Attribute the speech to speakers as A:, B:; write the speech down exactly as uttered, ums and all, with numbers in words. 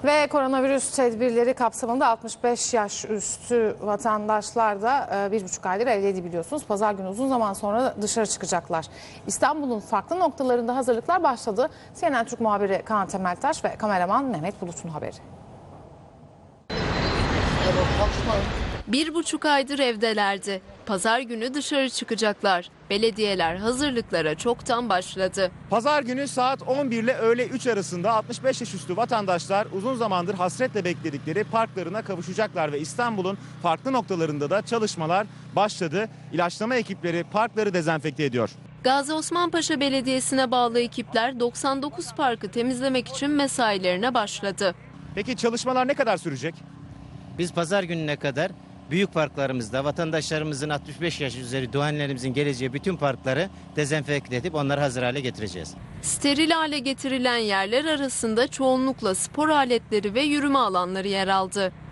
A: Ve koronavirüs tedbirleri kapsamında altmış beş yaş üstü vatandaşlar da bir buçuk aydır evdeydi biliyorsunuz. Pazar günü uzun zaman sonra dışarı çıkacaklar. İstanbul'un farklı noktalarında hazırlıklar başladı. C N N Türk muhabiri Kaan Temeltaş ve kameraman Mehmet Bulut'un haberi.
B: Bir buçuk aydır evdelerdi. Pazar günü dışarı çıkacaklar. Belediyeler hazırlıklara çoktan başladı.
C: Pazar günü saat on bir ile öğle üç arasında altmış beş yaş üstü vatandaşlar uzun zamandır hasretle bekledikleri parklarına kavuşacaklar ve İstanbul'un farklı noktalarında da çalışmalar başladı. İlaçlama ekipleri parkları dezenfekte ediyor.
B: Gazi Osman Paşa Belediyesi'ne bağlı ekipler doksan dokuz parkı temizlemek için mesailerine başladı.
C: Peki çalışmalar ne kadar sürecek?
D: Biz pazar gününe kadar büyük parklarımızda vatandaşlarımızın altmış beş yaş üzeri doğanlarımızın geleceği bütün parkları dezenfekte edip onları hazır hale getireceğiz.
B: Steril hale getirilen yerler arasında çoğunlukla spor aletleri ve yürüme alanları yer aldı.